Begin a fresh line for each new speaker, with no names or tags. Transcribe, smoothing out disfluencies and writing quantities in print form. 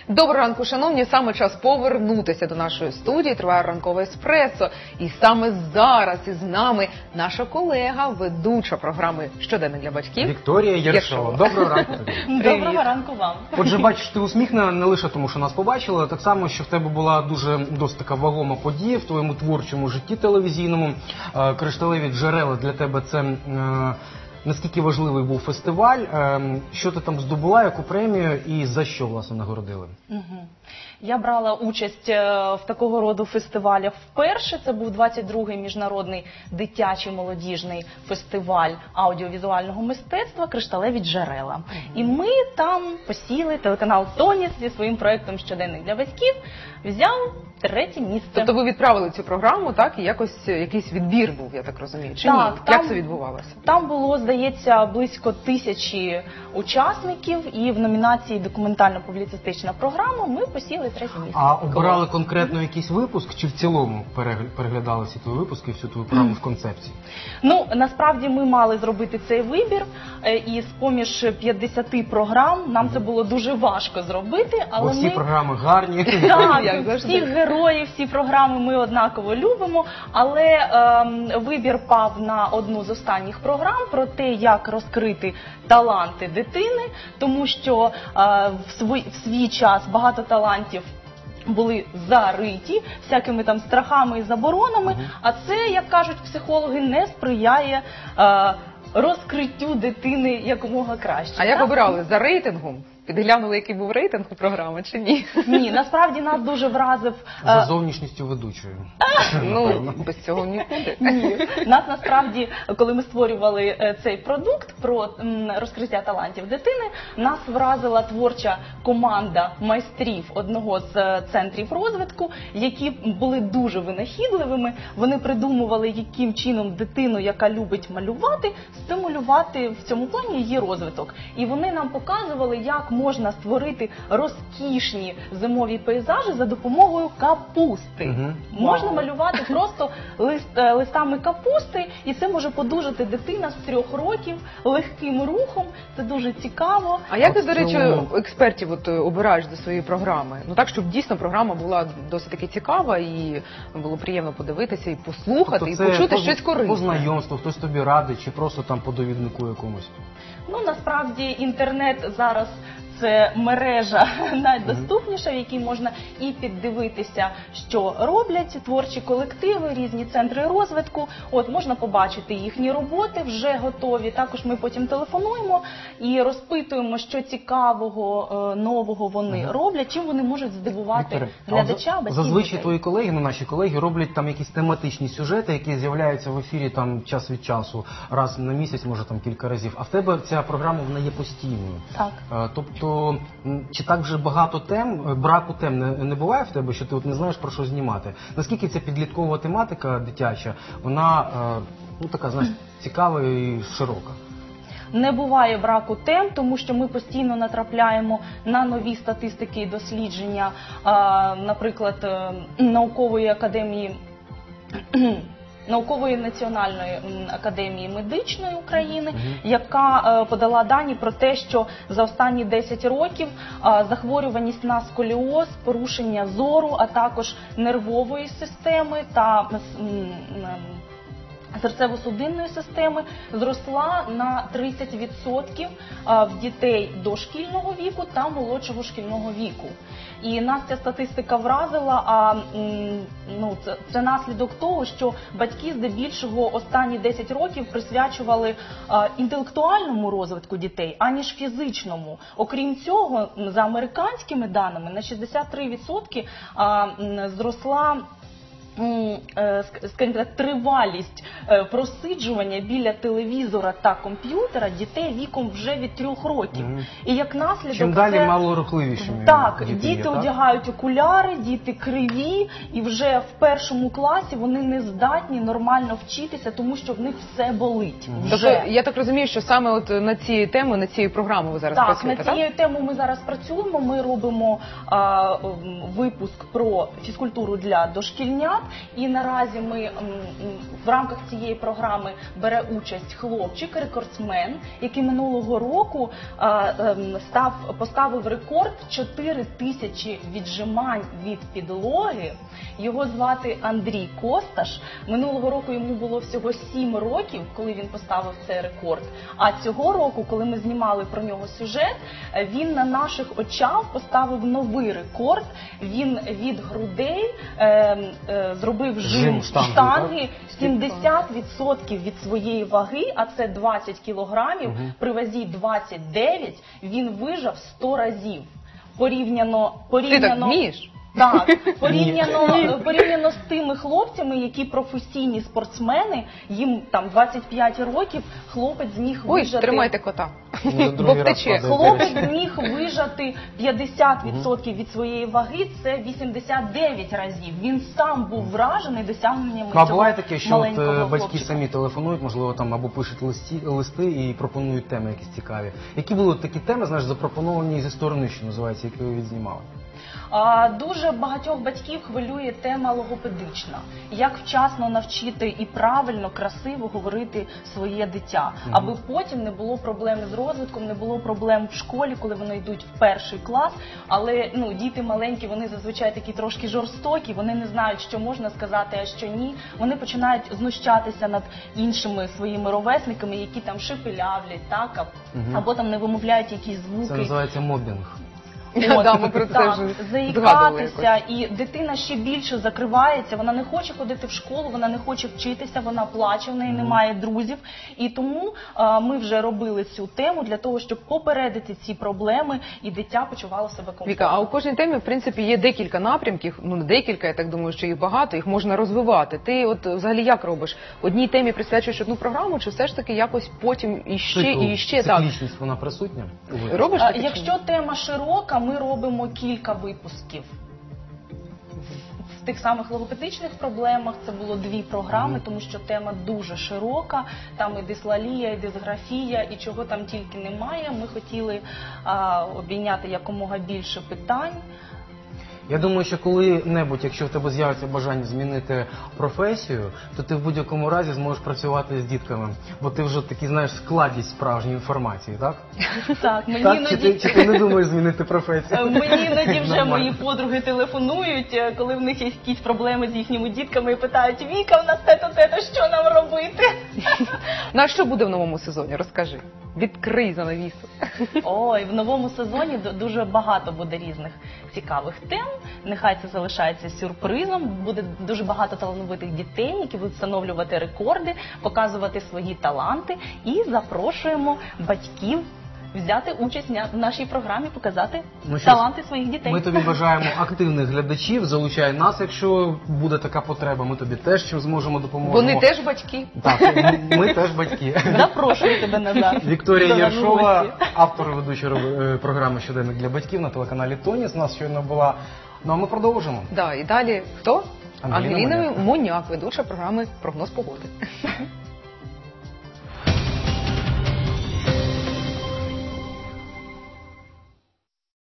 Доброго ранку, шановні. Саме час повернутися до нашої студії. Триває ранкове еспресо. І саме зараз із нами наша колега, ведуча програми «Щоденник для батьків»
Вікторія Єршова. Доброго ранку тобі.
Доброго ранку вам.
Отже, бачиш, ти усміхнена не лише тому, що нас побачила, а так само, що в тебе була досить така вагома подія в твоєму творчому житті телевізійному. «Кришталеві джерела» для тебе це... Наскільки важливий був фестиваль, що ти там здобула, яку премію і за що, власне, нагородили?
Я брала участь в такого роду фестивалях вперше. Це був 22-й міжнародний дитячий молодіжний фестиваль аудіовізуального мистецтва «Кришталеві джерела». І ми там посіли, телеканал «Тоніс» зі своїм проєктом «Щоденник для батьків» взяв 3-е місце.
Тобто ви відправили цю програму, так, і якийсь відбір був, я так розумію, чи
так,
ні? Як це відбувалося?
Там було, здається, близько 1000 учасників, і в номінації «Документально-публіцистична програма» ми посіли 3-е місце.
А обирали конкретно якийсь випуск, чи в цілому переглядали всі твої випуски, всю твою програму в концепції?
Ну, насправді ми мали зробити цей вибір, і з-поміж 50 програм нам це було дуже важко зробити, але
бо всі програми гарні.
Так, всіх героїв, всі програми ми однаково любимо, але вибір пав на одну з останніх програм про те, як розкрити таланти дитини, тому що в свій час багато талантів були зариті всякими там страхами і заборонами, а це, як кажуть психологи, не сприяє розкриттю дитини якомога краще.
А як обирали? За рейтингом? Підглянули, який був рейтинг у програми, чи ні?
Ні, насправді нас дуже вразив...
За зовнішністю ведучої.
Ну, без цього нікуди.
Ні. Нас насправді, коли ми створювали цей продукт про розкриття талантів дитини, нас вразила творча команда майстрів одного з центрів розвитку, які були дуже винахідливими. Вони придумували, яким чином дитину, яка любить малювати, стимулювати в цьому плані її розвиток. І вони нам показували, як можна створити розкішні зимові пейзажі за допомогою капусти. Можна малювати просто листами капусти, і це може подужати дитина з 3 років легким рухом. Це дуже цікаво.
А як ти, до речі, експертів обираєш до своєї програми? Ну так, щоб дійсно програма була досить таки цікава і було приємно подивитися і послухати, і почути щось корисне.
По знайомству, хтось тобі радить, чи просто там по довіднику якомусь?
Ну, насправді, інтернет зараз це мережа найдоступніша, в якій можна і піддивитися, що роблять творчі колективи, різні центри розвитку. От, можна побачити їхні роботи, вже готові. Також ми потім телефонуємо і розпитуємо, що цікавого, нового вони роблять, чим вони можуть здивувати глядача, батьків.
Зазвичай твої колеги, наші колеги, роблять там якісь тематичні сюжети, які з'являються в ефірі там час від часу, раз на місяць, може там кілька разів. А в тебе ця програма, вона є постійною.
Так.
Тобто, чи так вже багато тем, браку тем не буває в тебе, що ти от не знаєш, про що знімати? Наскільки ця підліткова тематика дитяча, вона, ну така, знаєш, цікава і широка?
Не буває браку тем, тому що ми постійно натрапляємо на нові статистики і дослідження, наприклад, Наукової національної академії медичної України, яка подала дані про те, що за останні 10 років захворюваність на сколіоз, порушення зору, а також нервової системи та серцево-судинної системи зросла на 30% в дітей дошкільного віку та молодшого шкільного віку. І нас ця статистика вразила, це наслідок того, що батьки здебільшого останні 10 років присвячували інтелектуальному розвитку дітей, аніж фізичному. Окрім цього, за американськими даними, на 63% зросла, скажімо так, тривалість просиджування біля телевізора та комп'ютера дітей віком вже від 3 років. І як наслідок
чим далі малорухливішими.
Так, діти одягають окуляри, діти криві, і вже в 1 класі вони не здатні нормально вчитися, тому що в них все болить.
Тобто, я так розумію, що саме от на ці теми, на цією програмою ви зараз працюєте, так?
Так, на цією темою ми зараз працюємо. Ми робимо випуск про фізкультуру для дошкільнят. І наразі ми в рамках цієї програми бере участь хлопчик, рекордсмен, який минулого року поставив рекорд 4000 віджимань від підлоги. Його звати Андрій Косташ. Минулого року йому було всього 7 років, коли він поставив цей рекорд. А цього року, коли ми знімали про нього сюжет, він на наших очах поставив новий рекорд. Він від грудей зробив жим штанги 70% від своєї ваги, а це 20 кілограмів, при вазі 29, він вижав 100 разів.
Ти так вмієш?
Так, порівняно з тими хлопцями, які професійні спортсмени, їм там 25 років, хлопець зміг вижати...
Ой, тримайте кота,
бо втече.
Хлопець зміг вижати 50% від своєї ваги, це 89 разів. Він сам був вражений досягненнями цього
буває таке, що
маленького
батьки
хлопчика.
самі телефонують, можливо, там або пишуть листи і пропонують теми якісь цікаві. Які були такі теми, знаєш, запропоновані зі сторони, що називається, які ви відзнімали?
Дуже багатьох батьків хвилює тема логопедична. Як вчасно навчити і правильно, красиво говорити своє дитя, аби потім не було проблем з розвитком, не було проблем в школі, коли вони йдуть в 1 клас. Але діти маленькі, вони зазвичай такі трошки жорстокі, вони не знають, що можна сказати, а що ні. Вони починають знущатися над іншими своїми ровесниками, які там шепелявлять, так, або там не вимовляють якісь звуки.
Це називається мобінг.
Ми про це вже
заїкатися, і дитина ще більше закривається, вона не хоче ходити в школу, вона не хоче вчитися, вона плаче, в неї немає друзів. І тому ми вже робили цю тему для того, щоб попередити ці проблеми, і дитя почувало себе комфортно.
Віка, а у кожній темі, в принципі, є декілька напрямків, не декілька, я так думаю, що їх багато, їх можна розвивати. Ти от взагалі як робиш? Одній темі присвячуєш одну програму, чи все ж таки якось потім іще?
Циклічність, вона присутня?
Робиш таке?
Якщо тема широка, ми робимо кілька випусків. В тих самих логопедичних проблемах це було 2 програми, тому що тема дуже широка, там і дислалія, і дисграфія, і чого там тільки немає. Ми хотіли обійняти якомога більше питань.
Я думаю, що коли-небудь, якщо в тебе з'явиться бажання змінити професію, то ти в будь-якому разі зможеш працювати з дітками, бо ти вже такий, знаєш, складність справжньої інформації, так?
Так,
Чи ти не думаєш змінити професію?
Мені іноді вже мої подруги телефонують, коли в них є якісь проблеми з їхніми дітками і питають: Віка, в нас те-то, що нам робити?
А що буде в новому сезоні? Розкажи. Відкрий занавісу.
Ой, в новому сезоні дуже багато буде різних цікавих тем. Нехай це залишається сюрпризом. Буде дуже багато талановитих дітей, які будуть встановлювати рекорди, показувати свої таланти. І запрошуємо батьків взяти участь в нашій програмі, показати таланти своїх дітей.
Ми тобі бажаємо активних глядачів, залучай нас, якщо буде така потреба, ми тобі теж чим зможемо допомогти.
Вони теж батьки.
Так, ми теж батьки.
Запрошую тебе назад.
Вікторія Єршова, автор і ведуча програми «Щоденник для батьків» на телеканалі «Тоніс». Нас щойно була. Ну а ми продовжимо.
Да, і далі хто?
Ангеліна
Моняк, ведуча програми «Прогноз погоди».